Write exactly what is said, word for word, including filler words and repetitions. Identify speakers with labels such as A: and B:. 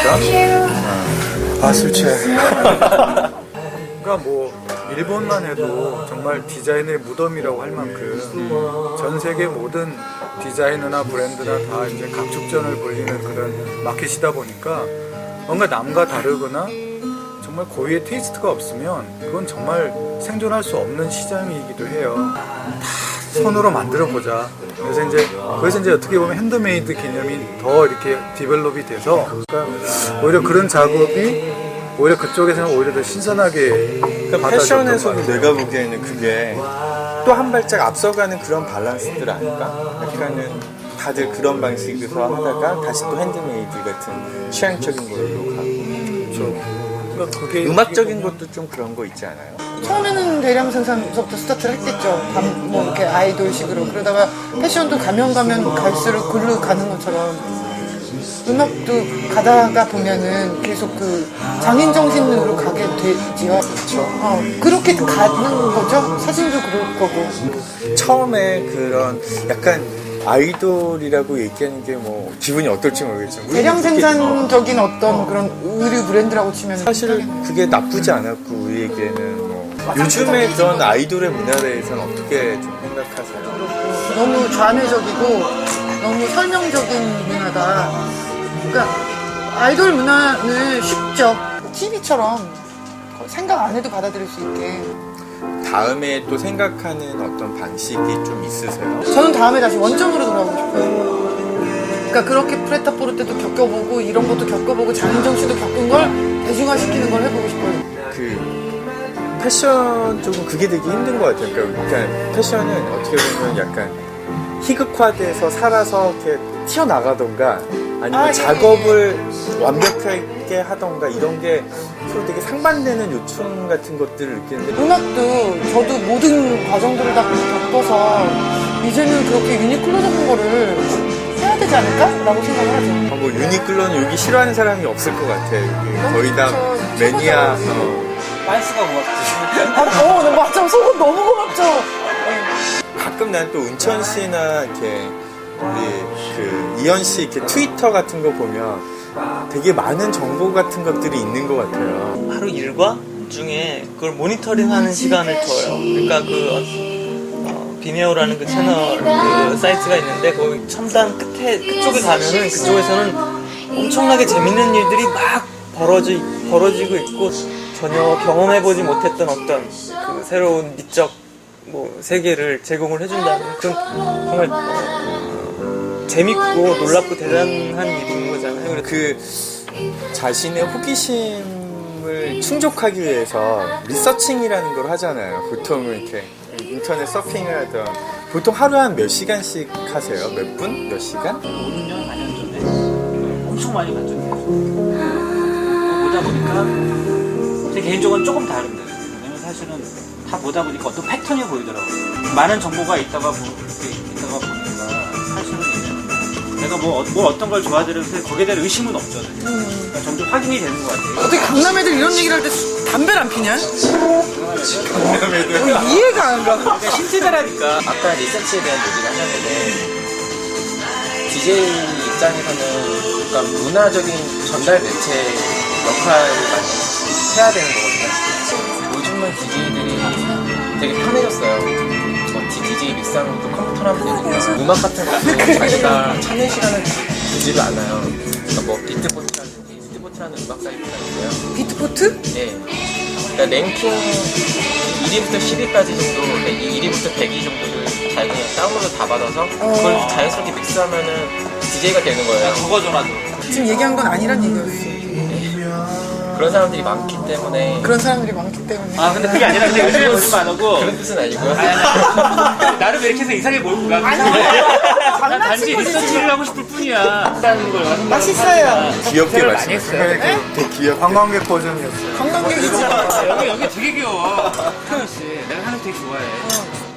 A: 어. 아, 술 취해. 그러니까 뭐 일본만 해도 정말 디자인의 무덤이라고 할 만큼 전 세계 모든 디자이너나 브랜드나 다 이제 각축전을 벌리는 그런 마켓이다 보니까 뭔가 남과 다르거나 정말 고유의 테이스트가 없으면 그건 정말 생존할 수 없는 시장이기도 해요. 다 손으로 만들어 보자. 그래서 이제 그래서 이제 어떻게 보면 핸드메이드 개념이 더 이렇게 디벨롭이 돼서 그러니까 오히려 그런 작업이 오히려 그쪽에서는 오히려 더 신선하게
B: 그러니까 패션에서도 내가 보기에는 그게 또 한 발짝 앞서가는 그런 밸런스들 아닐까? 약간은 다들 그런 방식으로 하다가 다시 또 핸드메이드 같은 취향적인 걸로 가고.
A: 그렇죠. 그러니까 그게
B: 음악적인 것도 좀 그런 거 있지 않아요?
C: 처음에는 대량 생산부터 스타트를 했겠죠. 감, 뭐 이렇게 아이돌식으로. 그러다가 패션도 가면 가면 갈수록 글로 가는 것처럼 음악도 가다가 보면은 계속 그 장인 정신으로 가게 되지요. 그렇죠. 어, 그렇게 가는 거죠. 사진도 그럴 거고.
B: 처음에 그런 약간 아이돌이라고 얘기하는 게 뭐 기분이 어떨지 모르겠지만
C: 대량 생산적인 어떤 그런 의류 브랜드라고 치면
B: 사실 그게 나쁘지 않았고 우리에게는 뭐 요즘에 그런 아이돌의 문화에 대해서는 어떻게 좀 생각하세요?
C: 너무 좌뇌적이고 너무 설명적인 문화다. 그러니까 아이돌 문화는 쉽죠. 티비처럼 생각 안 해도 받아들일 수 있게.
B: 다음에 또 생각하는 어떤 방식이 좀 있으세요?
C: 저는 다음에 다시 원점으로 돌아가고 싶어요. 그러니까 그렇게 프레타포르 때도 겪어보고 이런 것도 겪어보고 장인정 씨도 겪은 걸 대중화시키는 걸 해보고 싶어요.
B: 그 패션 쪽은 그게 되게 힘든 것 같아요. 그러니까 패션은 어떻게 보면 약간 희극화돼서 살아서 이렇게 튀어나가던가 아니면
C: 아, 예,
B: 작업을 예. 완벽하게 하던가 이런 게 서로 되게 상반되는 요청 같은 것들을 느끼는데
C: 음악도 저도 모든 과정들을 다 겪어서 이제는 그렇게 유니클로적인 거를 해야 되지 않을까? 라고 생각을 하죠.
B: 아, 뭐 유니클로는 여기 싫어하는 사람이 없을 것 같아요. 여기 거의 다
C: 그렇죠.
B: 매니아 어.
D: 빤스가 고맙지.
C: 아, 어, 네, 맞죠. 속은 너무 고맙죠. 네.
B: 가끔 난 또 은천 씨나 이렇게 우리 그 이현 씨 이렇게 트위터 같은 거 보면 되게 많은 정보 같은 것들이 있는 것 같아요.
D: 하루 일과 중에 그걸 모니터링하는 시간을 둬요. 그러니까 그 어, 비메오라는 그 채널 그 사이트가 있는데 거기 첨단 끝에 그쪽에 가면은 그쪽에서는 엄청나게 재밌는 일들이 막 벌어지 벌어지고 있고 전혀 경험해보지 못했던 어떤 그 새로운 미적 뭐 세계를 제공을 해준다는 그런 정말 어, 재밌고 놀랍고 대단한 일인 거잖아요. 그래서
B: 그 자신의 호기심을 충족하기 위해서 리서칭이라는 걸 하잖아요. 보통은 이렇게 인터넷 서핑을 하던 보통 하루에 한 몇 시간씩 하세요? 몇 분? 몇 시간?
E: 오 년, 사 년 전에 엄청 많이 봤죠. 보다 보니까 제 개인적으로는 조금 다른데 왜냐면 사실은 다 보다 보니까 어떤 패턴이 보이더라고요. 많은 정보가 있다가 보, 있다가 보니까 사실은 이제 내가 뭐, 뭐 어떤 걸 좋아하는데 거기에 대한 의심은 없잖아요. 그러니까 점점 확인이 되는 것 같아요.
C: 어떻게 강남 애들 이런 얘기를 할 때 담배를 안 피냐?
B: 강남 애들
C: 어, 이해가 안 가.
E: 그러니까 신세대라니까.
F: 아까 리서치에 대한 얘기를 하셨는데 디제이 입장에서는 그러니까 문화적인 전달 매체 역할을 많이 해야 되는 거거든요. 요즘은 디제이들이 되게 편해졌어요. 뭐 디제이 믹스하는 것도 컴퓨터로 하면 되니까 음악 같은 것도 자기가 찾는 시간을 두지를 않아요. 그러니까 뭐 비트포트라든지 비트포트라는 음악 사이트가 있어요.
C: 비트포트?
F: 네. 그러니까 랭킹 일 위부터 십 위까지 정도, 그러니까 일 위부터 백 위 정도를 자기가 다운로드 다 받아서 그걸
C: 어.
F: 자연스럽게 믹스하면은 디제이가 되는 거예요.
E: 그거 전화도.
C: 지금 얘기한 건 아니란 얘기였어.
F: 그런 사람들이 많기 때문에
C: 그런 사람들이 많기 때문에.
E: 아 근데 그게 아니라 근데 요즘에 요즘 안 하고
F: 그런 뜻은 아니고요.
E: 나름 이렇게 해서 이상하게 몰고 가.
C: 아니,
E: 난 단지 리서치를 하고 싶을 뿐이야. 한다는 걸 생각을
C: 맛있어요.
E: 하니까.
B: 귀엽게
E: 많이
B: 말씀하세요.
E: 했어요.
B: 되게, 되게 귀엽게
A: 관광객 버전이었어요.
C: 관광객이지.
E: 여기 여기 되게 귀여워. 태연 씨, 내가 하는 거 되게 좋아해.